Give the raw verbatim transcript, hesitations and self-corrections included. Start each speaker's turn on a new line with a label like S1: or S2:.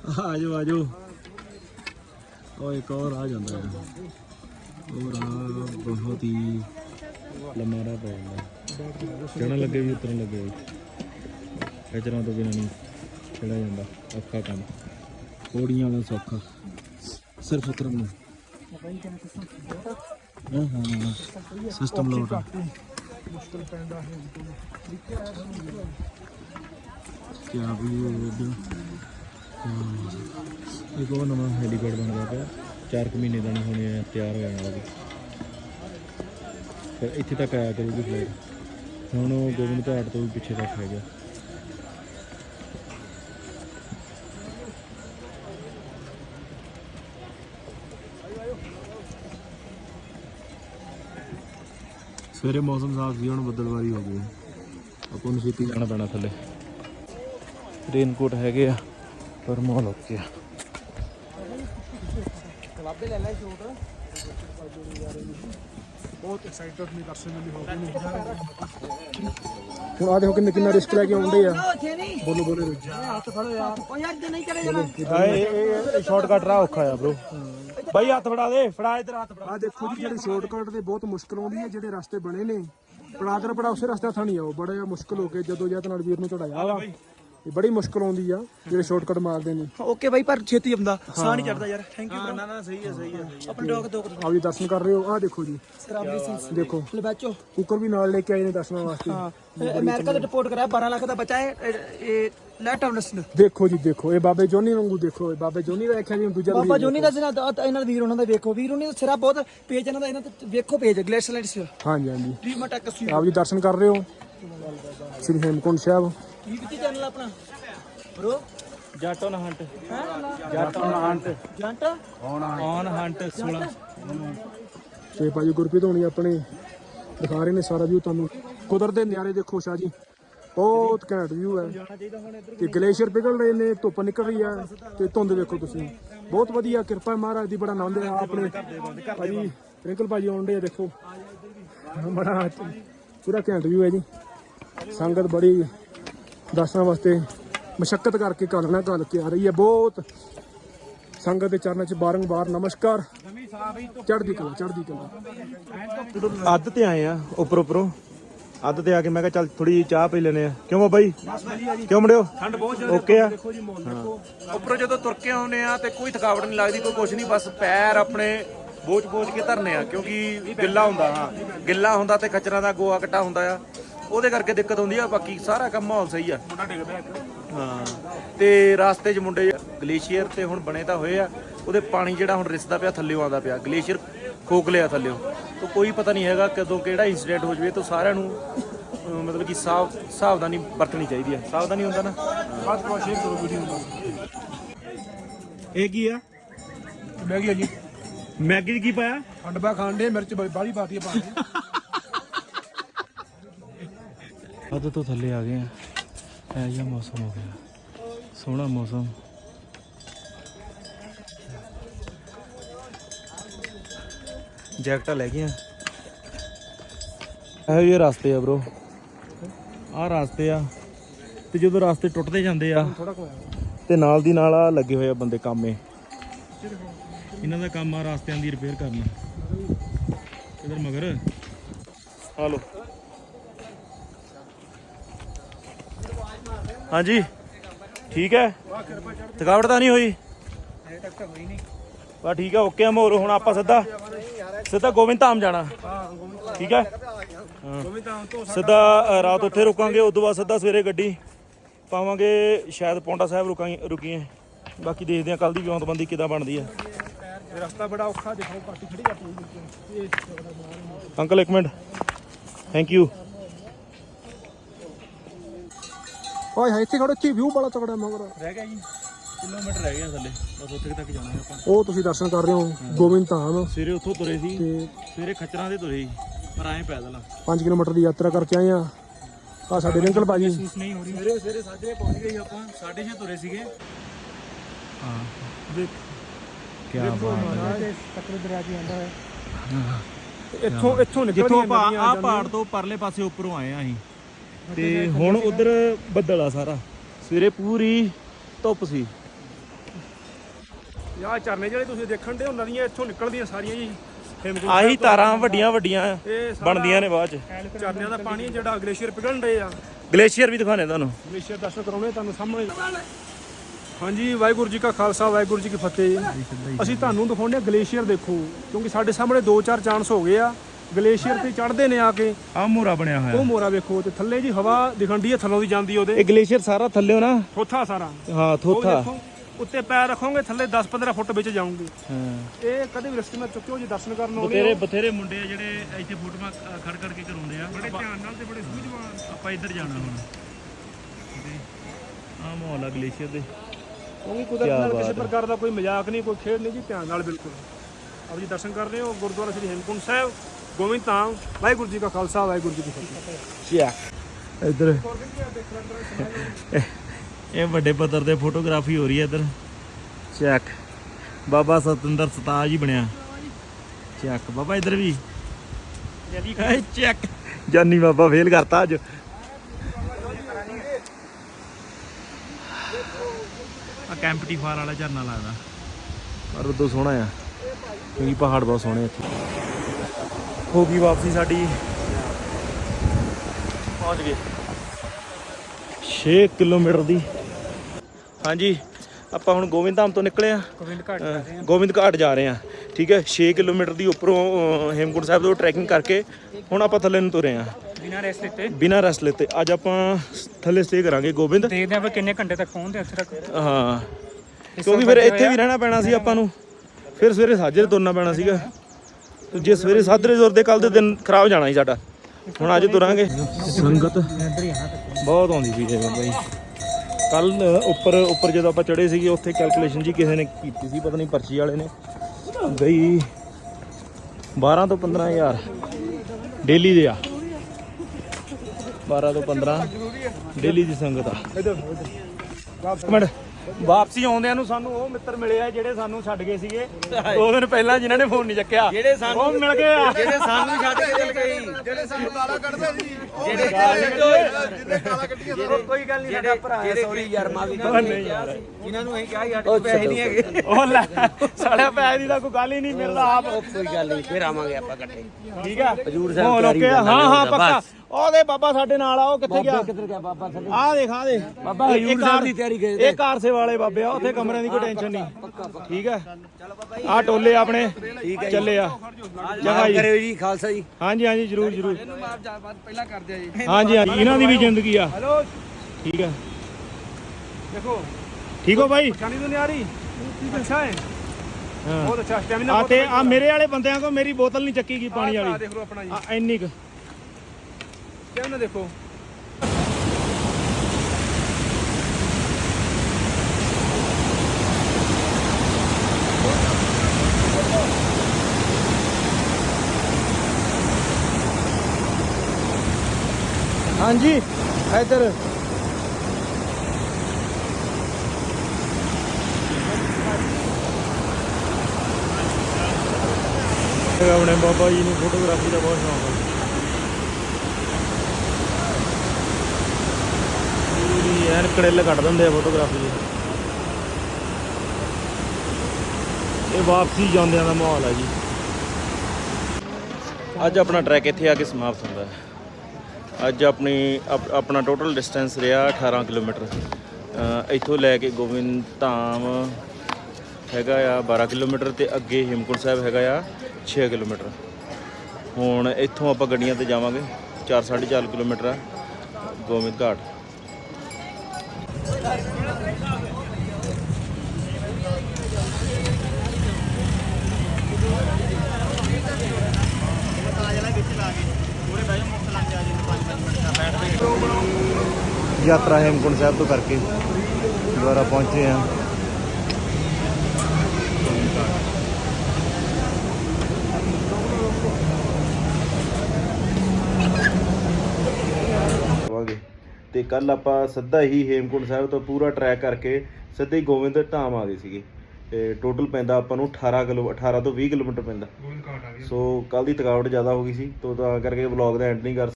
S1: ਆ ਜਾਓ ਆ ਜਾਓ। ਉਹ ਇੱਕ ਹੋਰ ਆ ਜਾਂਦਾ ਹੈ और बहुत ही लंबा राह पै जाता चढ़न लगे भी उतरन लगे भी खचरों तो बिना नहीं चढ़ा जाता औखा काम पौड़ियां वाला सौखा सिर्फ उतरन में हाँ हाँ सिस्टम लोट क्या भी एक और नवा हेलीपैड बन गया पाया चार कुछ महीने का नहीं होने तैयार हो जाना वो फिर इत्थे तक आया करूँगी फ्लाइट हुण गोबिंद घाट तो भी पिछे तक है गया सवेरे मौसम साफ सी हुण बदलवारी हो गई आपां नूं छेती जाना पैना थल्ले रेनकोट हैगे आ पर माहौल ओके आ ले ले शूट बहुत एक्साइटेड नहीं दर्शन मिली हो गई ਹੁਣ ਆ ਦੇਖੋ ਕਿੰਨੇ ਕਿੰਨਾ ਰਿਸਕ ਲੈ ਕੇ ਆਉਂਦੇ ਆ ਬੋਲੋ ਬੋਲੋ ਹੱਥ ਫੜੋ ਯਾਰ ਉਹ ਯਾਰ ਜੇ ਨਹੀਂ ਕਰੇ ਜਰਾ ਇਹ ਸ਼ਾਰਟਕਟ ਰਾਹ ਔਖਾ ਆ ਬ్రో ਬਾਈ ਹੱਥ ਫੜਾ ਦੇ ਫੜਾ ਇਧਰ ਹੱਥ ਫੜਾ ਆ ਦੇਖੋ ਜੀ ਜਿਹੜੇ ਸ਼ਾਰਟਕਟ ਦੇ ਬਹੁਤ ਮੁਸ਼ਕਲ ਆਉਂਦੀ ਹੈ ਜਿਹੜੇ ਰਸਤੇ ਬਣੇ ਨੇ ਪੜਾਦਰ ਪੜਾ ਉਸੇ ਰਸਤੇ ਥਾਂ ਨਹੀਂ ਆਓ ਬੜਾ ਜਿਹਾ ਮੁਸ਼ਕਲ ਹੋ ਕੇ ਜਦੋਂ ਜਦ ਨਾਲ ਵੀਰ ਨੂੰ ਚੜਾਇਆ ਵਾ ਇਹ ਬੜੀ ਮੁਸ਼ਕਲ ਆਉਂਦੀ ਆ ਜਿਹੜੇ ਸ਼ਾਰਟਕਟ ਮਾਰਦੇ ਨੇ ਓਕੇ ਬਾਈ ਪਰ ਛੇਤੀ ਆਉਂਦਾ ਸਾਹ ਨਹੀਂ ਚੜਦਾ ਯਾਰ ਥੈਂਕ ਯੂ ਨਾ ਨਾ ਸਹੀ ਹੈ ਸਹੀ ਹੈ ਆਪਣੇ ਡੌਗ ਦੋ ਆਪ ਜੀ ਦਰਸ਼ਨ ਕਰ ਰਹੇ ਹੋ ਆਹ ਦੇਖੋ ਜੀ ਦੇਖੋ ਲਬਾਚੋ ਕੁੱਕਰ ਵੀ ਨਾਲ ਲੈ ਕੇ ਆਏ ਨੇ ਦਰਸ਼ਨਾਂ ਵਾਸਤੇ ਹਾਂ ਅਮਰੀਕਾ ਦਾ ਰਿਪੋਰਟ ਕਰਾਇਆ ਬਾਰਾਂ ਲੱਖ ਦਾ ਬੱਚਾ ਹੈ ਇਹ ਲੈਟ ਆਉਨਸ ਦੇਖੋ ਜੀ ਦੇਖੋ ਇਹ ਬਾਬੇ ਜੋਨੀ ਵਾਂਗੂ ਦੇਖੋ ਇਹ ਬਾਬੇ ਜੋਨੀ ਦਾ ਦੇਖਿਆ ਜੀ ਦੂਜਾ ਬਾਬਾ ਜੋਨੀ ਦਾ ਇਹਨਾਂ ਦਾ ਵੀਰ ਉਹਨਾਂ ਦਾ ਵੇਖੋ ਵੀਰ ਉਹਨਾਂ ਦਾ ਸਿਰਾ ਬਹੁਤ ਪੇਜ ਇਹਨਾਂ ਦਾ ਇਹਨਾਂ ਤੇ ਵੇਖੋ ਪੇਜ ਗਲੈਸ਼ਲਾਈਟਸ ਹਾਂਜੀ ਹਾਂਜੀ ਆਪ ਜੀ ਦਰਸ਼ਨ ਕਰ ਰਹੇ ਹੋ ਸ੍ਰੀ ਹੇਮਕੁੰਟ ਸਾਹਿਬ ਕੀ ਕਿੱਥੇ ਚੈਨਲ ਆਪਣਾ bro Jatt on hunt Jatt on hunt Jatt on hunt ਸੋਲਾਂ ਤੇ ਭਾਜੀ ਗੁਰਪ੍ਰੀਤ ਹੋਣੀ ਆਪਣੇ ਦਿਖਾ ਰਹੇ ਨੇ ਸਾਰਾ ਵਿਊ ਤੁਹਾਨੂੰ ਕੁਦਰਤ ਦੇ ਨਿਆਰੇ ਦੇਖੋ ਸ਼ਾਹ ਜੀ ਬਹੁਤ ਘੈਂਟ ਵਿਊ ਹੈ ਤੇ ਗਲੇਸ਼ੀਅਰ ਪਿਘਲ ਰਹੇ ਨੇ ਧੁੱਪ ਨਿਕਲ ਰਹੀ ਹੈ ਤੇ ਧੁੰਦ ਵੇਖੋ ਤੁਸੀਂ ਬਹੁਤ ਵਧੀਆ ਕਿਰਪਾ ਮਹਾਰਾਜ ਦੀ ਬੜਾ ਆਨੰਦ ਹੈ ਆਪਣੇ ਭਾਜੀ ਰਿੰਕਲ ਭਾਜੀ ਆਉਂਦੇ ਆ ਦੇਖੋ ਬੜਾ ਪੂਰਾ ਘੈਂਟ ਵਿਊ ਹੈ ਜੀ ਸੰਗਤ ਬੜੀ ਦਰਸ਼ਨਾਂ ਵਾਸਤੇ ਮਸ਼ੱਕਤ ਕਰਕੇ ਘਰ ਨਾਲ ਗੱਲ ਕੇ ਆ ਰਹੀ ਹੈ ਬਹੁਤ ਸੰਗਤ ਦੇ ਚਰਨਾਂ 'ਚ ਬਾਰੰਬਾਰ ਨਮਸਕਾਰ ਚੜ੍ਹਦੀ ਕਲਾ ਚੜ੍ਹਦੀ ਕਲਾ ਅੱਧ ਤੇ ਆਏ ਆ ਉੱਪਰ ਉੱਪਰੋਂ ਅੱਧ ਤੇ ਆ ਕੇ ਮੈਂ ਕਿਹਾ ਚੱਲ ਥੋੜੀ ਚਾਹ ਪੀ ਲੈਨੇ ਆ ਕਿਉਂ ਬਾਬਾ ਜੀ ਕਿਉਂ ਮੁੰਡਿਓ ਠੰਡ ਬਹੁਤ ਜ਼ਿਆਦਾ ਓਕੇ ਆ ਉੱਪਰੋਂ ਜਦੋਂ ਤੁਰ ਕੇ ਆਉਨੇ ਆ ਤੇ ਕੋਈ ਥਕਾਵਟ ਨਹੀਂ ਲੱਗਦੀ ਕੋਈ ਕੁਛ ਨਹੀਂ ਬਸ ਪੈਰ ਆਪਣੇ ਬੋਝ ਬੋਝ ਕੇ ਧਰਨੇ ਆ ਕਿਉਂਕਿ ਗਿੱਲਾ ਹੁੰਦਾ ਹਾਂ ਗਿੱਲਾ ਹੁੰਦਾ ਤੇ ਖੱਚਰਾਂ ਦਾ ਗੋਆ ਕੱਟਾ ਹੁੰਦਾ ਆ ਉਹਦੇ ਕਰਕੇ ਦਿੱਕਤ ਹੁੰਦੀ ਆ ਬਾਕੀ ਸਾਰਾ ਕੰਮ ਮਾਹੌਲ ਸਹੀ ਆ ਹਾਂ ਤੇ ਰਾਸਤੇ 'ਚ ਮੁੰਡੇ ਗਲੇਸ਼ੀਅਰ ਤੇ ਹੁਣ ਬਣੇ ਤਾਂ ਹੋਏ ਆ ਉਹਦੇ ਪਾਣੀ ਜਿਹੜਾ ਹੁਣ ਰਿਸਦਾ ਪਿਆ ਥੱਲੇ ਆਉਂਦਾ ਪਿਆ ਗਲੇਸ਼ੀਅਰ ਖੋਕ ਲਿਆ ਥੱਲੇ ਤੋਂ ਕੋਈ ਪਤਾ ਨਹੀਂ ਹੈਗਾ ਕਦੋਂ ਕਿਹੜਾ ਇੰਸੀਡੈਂਟ ਹੋ ਜਾਵੇ ਤਾਂ ਸਾਰਿਆਂ ਨੂੰ ਮਤਲਬ ਕਿ ਸਾਵ ਸਾਵਧਾਨੀ ਵਰਤਣੀ ਚਾਹੀਦੀ ਆ ਸਾਵਧਾਨੀ ਹੁੰਦਾ ਨਾ ਇਹ ਕੀ ਆ ਮੈਗੀ ਆ ਜੀ ਮੈਗੀ 'ਚ ਕੀ ਪਾਇਆ ਅੰਡਾ ਖਾਣ ਦੇ ਮਿਰਚ ਬਾਹਲੀ ਪਾਤੀ ਆ ਅੱਧ ਤੋਂ ਥੱਲੇ ਆ ਗਏ ਆ ਇਹ ਜਿਹਾ ਮੌਸਮ ਹੋ ਗਿਆ ਸੋਹਣਾ ਮੌਸਮ ਜੈਕਟਾਂ ਲੈ ਗਈਆਂ ਇਹੋ ਜਿਹੇ ਰਸਤੇ ਆ ਬ్రో ਆਹ ਰਸਤੇ ਆ ਤੇ ਜਦੋਂ ਰਸਤੇ ਟੁੱਟਦੇ ਜਾਂਦੇ ਆ ਤੇ ਨਾਲ ਦੀ ਨਾਲ ਆ ਲੱਗੇ ਹੋਏ ਆ ਬੰਦੇ ਕੰਮੇ ਇਹਨਾਂ ਦਾ ਕੰਮ ਆ ਰਸਤਿਆਂ ਦੀ ਰਿਪੇਅਰ ਕਰਨਾ ਇਧਰ ਮਗਰ ਆ ਲੋ हाँ जी ठीक है थकावट तो नहीं हुई बस ठीक है ओके हम और हम आप सीधा सीधा गोविंद धाम जाना ठीक है सीधा रात उत्थे रुकांगे उस बाद सीधा सवेरे गड्डी पावांगे शायद पौंटा साहब रुका रुकीए बाकी देखते हैं कल की विਉਂਤਬੰਦੀ किदां बनदी है रस्ता बड़ा औखा देखो पार्टी खड़ी करती अंकल एक मिनट थैंक यू ਓਏ ਹਾਂ ਇੱਥੇ ਖੜੋ ਇੱਥੇ ਵਿਊ ਬੜਾ ਤਕੜਾ ਮਗਰ ਰਹਿ ਗਿਆ ਜੀ ਕਿਲੋਮੀਟਰ ਰਹਿ ਗਿਆ ਥੱਲੇ ਬਸ ਉੱਥੇ ਤੱਕ ਜਾਣਾ ਹੈ ਆਪਾਂ ਉਹ ਤੁਸੀਂ ਦਰਸ਼ਨ ਕਰ ਰਹੇ ਹੋ ਗੋਬਿੰਦ ਧਾਮ ਸਵੇਰੇ ਉੱਥੋਂ ਤੁਰੇ ਸੀ ਤੇ ਸਵੇਰੇ ਖੱਚਰਾਂ ਦੇ ਤੁਰੇ ਸੀ ਪਰ ਆਏ ਪੈਦਲ ਪੰਜ ਕਿਲੋਮੀਟਰ ਦੀ ਯਾਤਰਾ ਕਰਕੇ ਆਏ ਆ ਆ ਸਾਡੇ ਰਿੰਕਲ ਭਾਜੀ ਨਹੀਂ ਹੋ ਰਹੀ ਸਵੇਰੇ ਸਵੇਰੇ ਸਾਢੇ ਪਹੁੰਚ ਗਏ ਆਪਾਂ ਸਾਢੇ ਛੇ ਤੁਰੇ ਸੀਗੇ ਹਾਂ ਦੇਖ ਕੀ ਬਾਤ ਹੈ ਤਕੜੇ ਦਰਿਆ ਦੀ ਆਂਦਾ ਹੈ ਇੱਥੋਂ ਇੱਥੋਂ ਨਿਕਲ ਆ ਪਹਾੜ ਤੋਂ ਪਰਲੇ ਪਾਸੇ ਉੱਪਰੋਂ ਆਏ ਆ ਅਸੀਂ ਤੇ ਹੁਣ ਉਧਰ ਬੱਦਲ ਆ ਸਾਰਾ ਸਵੇਰੇ ਪੂਰੀ ਧੁੱਪ ਸੀ ਆਹ ਝਰਨੇ ਜਿਹੜੇ ਤੁਸੀਂ ਦੇਖਣ ਦੇ ਉਹ ਨਦੀਆਂ ਇੱਥੋਂ ਨਿਕਲਦੀਆਂ ਸਾਰੀਆਂ ਜੀ ਹੇਮਕੁੰਟ
S2: ਆਹੀ ਤਾਰਾਂ ਵੱਡੀਆਂ ਵੱਡੀਆਂ
S1: ਇਹ ਸਾਰਾ
S2: ਬਣਦੀਆਂ ਨੇ ਬਾਅਦ ਚ।
S1: ਝਰਨਿਆਂ ਦਾ ਪਾਣੀ ਜਿਹੜਾ ਗਲੇਸ਼ੀਅਰ ਪਿਘਲਣ ਡਏ ਆ,
S2: ਗਲੇਸ਼ੀਅਰ ਵੀ ਦਿਖਾਣੇ ਤੁਹਾਨੂੰ।
S1: ਗਲੇਸ਼ੀਅਰ ਦਰਸ਼ਨ ਕਰਾਉਣੇ ਤੁਹਾਨੂੰ ਸਾਹਮਣੇ। ਹਾਂਜੀ ਵਾਹਿਗੁਰੂ ਜੀ ਕਾ ਖਾਲਸਾ ਵਾਹਿਗੁਰੂ ਜੀ ਕੀ ਫਤਿਹ। ਅਸੀਂ ਤੁਹਾਨੂੰ ਦਿਖਾਉਂਦੇ ਆ ਗਲੇਸ਼ੀਅਰ ਦੇਖੋ, ਕਿਉਂਕਿ ਸਾਡੇ ਸਾਹਮਣੇ ਦੋ ਚਾਰ ਚਾਂਸ ਹੋ ਗਏ ਆ ਗਲੇਸ਼ੀਅਰ ਤੇ ਚੜ੍ਹਦੇ ਨੇ ਆ ਕੇ।
S2: ਆਹ ਮੋਰਾ ਬਣਿਆ ਹੋਇਆ,
S1: ਉਹ ਮੋਰਾ ਵੇਖੋ ਤੇ ਥੱਲੇ ਜੀ ਹਵਾ ਦਿਖਣ ਦੀ ਹੈ ਥੱਲੋਂ ਦੀ ਜਾਂਦੀ ਉਹਦੇ।
S2: ਇਹ ਗਲੇਸ਼ੀਅਰ ਸਾਰਾ ਥੱਲੇ ਨਾ
S1: ਥੋਥਾ ਸਾਰਾ।
S2: ਹਾਂ
S1: ਉਹ
S2: ਥੋਥਾ।
S1: ਦੇਖੋ ਉੱਤੇ ਪੈਰ ਰੱਖੋਗੇ ਥੱਲੇ ਦਸ ਪੰਦਰਾਂ ਫੁੱਟ ਵਿੱਚ ਜਾਓਗੇ।
S2: ਹਾਂ
S1: ਇਹ ਕਦੇ ਵੀ ਰਿਸਕ ਨਾ ਚੁੱਕਿਓ ਜੀ ਦਰਸ਼ਨ ਕਰਨ ਆਉਂਦੇ
S2: ਬਥੇਰੇ
S1: ਹੋ।
S2: ਬਥੇਰੇ ਮੁੰਡੇ ਆ ਜਿਹੜੇ ਇੱਥੇ ਫੋਟੋਆਂ ਖੜ ਖੜ ਕੇ ਕਰਾਉਂਦੇ ਆ।
S1: ਬੜੇ ਧਿਆਨ ਨਾਲ ਤੇ ਬੜੇ ਸੂਝਵਾਨ।
S2: ਆਪਾਂ ਇੱਧਰ ਜਾਣਾ ਹੁਣ। ਆਹ ਮਾਹੌਲ ਆ ਗਲੇਸ਼ੀਅਰ ਦੇ।
S1: ਕਿਉਂਕਿ ਕੁਦਰਤ ਨਾਲ ਕਿਸੇ ਪ੍ਰਕਾਰ ਦਾ ਕੋਈ ਮਜ਼ਾਕ ਨਹੀਂ, ਕੋਈ ਖੇਡ ਨਹੀਂ ਜੀ, ਧਿਆਨ ਨਾਲ ਬਿਲਕੁਲ। ਆਪ ਜੀ ਦਰਸ਼ਨ ਕਰ ਰਹੇ ਹੋ ਗੁਰਦੁਆਰਾ ਸ੍ਰੀ ਹੇਮਕੁੰਟ ਸਾਹਿਬ ਗੋਬਿੰਦ ਧਾਮ। ਵਾਹਿਗੁਰੂ ਜੀ ਕਾ ਖਾਲਸਾ ਵਾਹਿਗੁਰੂ ਜੀ ਕੀ ਫਤਿਹ।
S2: ਇੱਧਰ ਇਹ ਵੱਡੇ ਪੱਧਰ ਤੇ ਫੋਟੋਗ੍ਰਾਫੀ ਹੋ ਰਹੀ ਹੈ ਇੱਧਰ। ਚੈੱਕ ਬਾਬਾ ਸਤਿੰਦਰ ਸਤਾਜ ਹੀ ਬਣਿਆ। ਚੈੱਕ ਬਾਬਾ ਇੱਧਰ ਵੀ ਚੈੱਕ ਜਾਨੀ ਬਾਬਾ ਫੇਲ ਕਰਤਾ ਅੱਜ। ਆ ਕੈਂਪਟੀ ਫਾਰ ਵਾਲਾ ਝਰਨਾ ਲੱਗਦਾ, ਪਰ ਉਦੋਂ ਸੋਹਣਾ ਆ ਕਿਉਂਕਿ ਪਹਾੜ ਬਹੁਤ ਸੋਹਣੇ ਇੱਥੇ। ਹੋ ਗਈ ਵਾਪਸੀ ਸਾਡੀ, ਪਹੁੰਚ ਗਏ ਛੇ ਕਿਲੋਮੀਟਰ ਦੀ। ਹਾਂਜੀ ਆਪਾਂ ਹੁਣ ਗੋਬਿੰਦ ਧਾਮ ਤੋਂ ਨਿਕਲੇ ਆ,
S1: ਗੋਬਿੰਦ ਘਾਟ
S2: ਗੋਬਿੰਦ ਘਾਟ ਜਾ ਰਹੇ ਆ। ਠੀਕ ਹੈ, ਛੇ ਕਿਲੋਮੀਟਰ ਦੀ ਉੱਪਰੋਂ ਹੇਮਕੁੰਟ ਸਾਹਿਬ ਤੋਂ ਟਰੈਕਿੰਗ ਕਰਕੇ ਹੁਣ ਆਪਾਂ ਥੱਲੇ ਨੂੰ ਤੁਰੇ ਆ
S1: ਬਿਨਾਂ ਰੈਸਟ ਲਿੱਤੇ।
S2: ਬਿਨਾਂ ਰੈਸਟ ਲਿੱਤੇ। ਅੱਜ ਆਪਾਂ ਥੱਲੇ ਸਟੇ ਕਰਾਂਗੇ ਗੋਬਿੰਦ।
S1: ਦੇਖਦੇ ਆਪਾਂ ਕਿੰਨੇ ਘੰਟੇ ਤੱਕ ਪਹੁੰਚਦੇ ਉੱਥੇ ਤੱਕ।
S2: ਹਾਂ ਕਿਉਂਕਿ ਫਿਰ ਇੱਥੇ ਵੀ ਰਹਿਣਾ ਪੈਣਾ ਸੀ ਆਪਾਂ ਨੂੰ, ਫਿਰ ਸਵੇਰੇ ਸਾਜਰੇ ਤੁਰਨਾ ਪੈਣਾ ਸੀਗਾ। ਜੇ ਸਵੇਰੇ ਸਾਜਰੇ ਤੁਰਦੇ ਕੱਲ ਦੇ ਦਿਨ ਖਰਾਬ ਜਾਣਾ ਸੀ ਸਾਡਾ। ਹੁਣ ਅੱਜ ਤੁਰਾਂਗੇ। ਸੰਗਤ ਬਹੁਤ ਆਉਂਦੀ ਸੀ ਜੀ ਬਾਬਾ ਜੀ। ਕੱਲ ਉੱਪਰ ਉੱਪਰ ਜਦੋਂ ਆਪਾਂ ਚੜੇ ਸੀਗੇ ਉੱਥੇ ਕੈਲਕੂਲੇਸ਼ਨ ਜੀ ਕਿਸੇ ਨੇ ਕੀਤੀ ਸੀ, ਪਤਾ ਨਹੀਂ ਪਰਚੀ ਵਾਲੇ ਨੇ, ਗਈ ਬਾਰਾਂ ਤੋਂ ਪੰਦਰਾਂ ਹਜ਼ਾਰ ਡੇਲੀ ਦੇ ਆ। ਬਾਰਾਂ ਤੋਂ ਪੰਦਰਾਂ ਡੇਲੀ ਦੀ ਸੰਗਤ ਆ। ਮਿੰਟ ਵਾਪਸੀ ਆਉਂਦਿਆਂ ਨੂੰ ਸਾਨੂੰ ਉਹ ਮਿੱਤਰ ਮਿਲੇ ਆ ਜਿਹੜੇ ਸਾਨੂੰ ਛੱਡ ਗਏ ਸੀਗੇ ਦੋ ਦਿਨ ਪਹਿਲਾਂ, ਜਿਨ੍ਹਾਂ ਨੇ ਫੋਨ ਨਹੀਂ ਚੱਕਿਆ। ਜਿਹੜੇ ਸਾਨੂੰ ਉਹ ਮਿਲ ਗਏ ਆ, ਜਿਹੜੇ ਸਾਨੂੰ ਛੱਡ ਕੇ ਚਲ ਗਏ, ਜਿਹੜੇ ਸਾਨੂੰ ਗਾਲਾਂ ਕੱਢਦੇ ਸੀ, ਜਿਹੜੇ ਜਿਹਨੇ ਗਾਲਾਂ ਕੱਢੀਆਂ। ਕੋਈ ਗੱਲ ਨਹੀਂ, ਸਾਡਾ ਭਰਾ ਹੈ। ਸੌਰੀ ਯਾਰ, ਮਾਂ ਵੀ ਨਹੀਂ ਯਾਰ, ਜਿਨ੍ਹਾਂ ਨੂੰ ਅਸੀਂ ਕਿਹਾ ਯਾਰ ਪੈਸੇ ਨਹੀਂ ਹੈਗੇ। ਉਹ ਲੈ ਸਾਡਾ ਪੈਸੇ ਦੀ ਤਾਂ ਕੋਈ ਗੱਲ ਹੀ ਨਹੀਂ ਮਿਲਦਾ ਆਪ।
S3: ਕੋਈ ਗੱਲ ਨਹੀਂ, ਫਿਰ ਆਵਾਂਗੇ ਆਪਾਂ ਇਕੱਠੇ।
S2: ਠੀਕ ਆ
S3: ਹਜੂਰ ਸਾਹਿਬ ਤਿਆਰੀ
S2: ਹਾਂ ਹਾਂ ਪੱਕਾ। ਉਹਦੇ ਬਾਬਾ ਸਾਡੇ ਨਾਲ ਆ, ਉਹ ਕਿੱਥੇ ਗਿਆ?
S3: ਕਿੱਧਰ ਗਿਆ ਬਾਬਾ ਸਾਡੇ?
S2: ਆ ਦੇਖ ਆ ਦੇ
S3: ਬਾਬਾ ਹਜੂਰ ਸਾਹਿਬ ਦੀ ਤਿਆਰੀ ਕਰੇ।
S2: ਇਹ ਕਾਰ ਸੇ ਵਾਲੇ ਬਾਬੇ ਆ, ਉੱਥੇ ਕਮਰਿਆਂ ਦੀ ਕੋਈ ਟੈਨਸ਼ਨ ਨਹੀਂ। ਠੀਕ ਹੈ, ਆ ਟੋਲੇ ਆਪਣੇ ਚੱਲੇ ਆ।
S3: ਜਗਾ ਕਰਿਓ ਜੀ ਖਾਲਸਾ ਜੀ।
S2: ਹਾਂਜੀ ਹਾਂਜੀ ਜ਼ਰੂਰ ਜ਼ਰੂਰ।
S1: ਪਹਿਲਾਂ ਕਰਦੇ ਆ ਜੀ।
S2: ਹਾਂਜੀ ਹਾਂਜੀ ਇਹਨਾਂ ਦੀ ਵੀ ਜ਼ਿੰਦਗੀ ਆ।
S1: ਹੈਲੋ
S2: ਠੀਕ ਹੈ,
S1: ਦੇਖੋ
S2: ਠੀਕ ਹੋ ਭਾਈ?
S1: ਪਛਾਣੀ ਤੋਂ ਨਹੀਂ ਆ ਰਹੀ? ਅੱਛਾ ਹੈ,
S2: ਹਾਂ
S1: ਬਹੁਤ ਅੱਛਾ ਸਟੈਮਿਨਾ।
S2: ਆ ਤੇ ਆ ਮੇਰੇ ਵਾਲੇ ਬੰਦਿਆਂ ਕੋ ਮੇਰੀ ਬੋਤਲ ਨਹੀਂ ਚੱਕੀ ਗਈ ਪਾਣੀ ਵਾਲੀ।
S1: ਦੇਖ ਲਓ ਆਪਣਾ ਜੀ,
S2: ਆ ਇੰਨੀ ਕੁ
S1: ਸਟੈਮਿਨਾ ਦੇਖੋ।
S2: ਹਾਂਜੀ ਇੱਧਰ ਆਪਣੇ ਬਾਬਾ ਜੀ ਨੂੰ ਫੋਟੋਗ੍ਰਾਫੀ ਦਾ ਬਹੁਤ ਸ਼ੌਂਕ ਹੈ। ਪੂਰੀ ਐਨ ਕੜੇਲ ਕੱਢ ਦਿੰਦੇ ਆ ਫੋਟੋਗ੍ਰਾਫੀ ਦੇ। ਇਹ ਵਾਪਸੀ ਜਾਂਦਿਆਂ ਦਾ ਮਾਹੌਲ ਹੈ ਜੀ। ਅੱਜ ਆਪਣਾ ਟਰੈਕ ਇੱਥੇ ਆ ਕੇ ਸਮਾਪਤ ਹੁੰਦਾ ਹੈ। ਅੱਜ ਆਪਣੀ ਆਪ- ਆਪਣਾ ਟੋਟਲ ਡਿਸਟੈਂਸ ਰਿਹਾ ਅਠਾਰਾਂ ਕਿਲੋਮੀਟਰ। ਇੱਥੋਂ ਲੈ ਕੇ ਗੋਬਿੰਦ ਧਾਮ ਹੈਗਾ ਆ ਬਾਰਾਂ ਕਿਲੋਮੀਟਰ ਤੇ ਅੱਗੇ ਹੇਮਕੁੰਟ ਸਾਹਿਬ ਹੈਗਾ ਆ ਛੇ ਕਿਲੋਮੀਟਰ। ਹੁਣ ਇੱਥੋਂ ਆਪਾਂ ਗੱਡੀਆਂ ਤੇ ਜਾਵਾਂਗੇ, ਚਾਰ ਸਾਢੇ ਚਾਰ ਕਿਲੋਮੀਟਰ ਆ ਗੋਬਿੰਦ ਘਾਟ। ਯਾਤਰਾ ਹੇਮਕੁੰਟ ਸਾਹਿਬ ਤੋਂ ਕਰਕੇ ਦੁਬਾਰਾ ਪਹੁੰਚੇ ਹਾਂ। ਤੇ ਕੱਲ ਆਪਾਂ ਸਿੱਧਾ ਹੀ ਹੇਮਕੁੰਟ ਸਾਹਿਬ ਤੋਂ ਪੂਰਾ ਟਰੈਕ ਕਰਕੇ ਸਿੱਧੇ ਹੀ ਗੋਬਿੰਦ ਧਾਮ ਆ ਗਏ ਸੀਗੇ। ਤੇ ਟੋਟਲ ਪੈਂਦਾ ਆਪਾਂ ਨੂੰ ਅਠਾਰਾਂ ਕਿਲੋ ਅਠਾਰਾਂ ਤੋਂ ਵੀਹ ਕਿਲੋਮੀਟਰ ਪੈਂਦਾ। ਸੋ ਕੱਲ ਦੀ ਥਕਾਵਟ ਜ਼ਿਆਦਾ ਹੋ ਗਈ ਸੀ, ਤੋਂ ਤਾਂ ਕਰਕੇ ਵਲੌਗ ਦਾ ਐਂਡ ਨਹੀਂ ਕਰ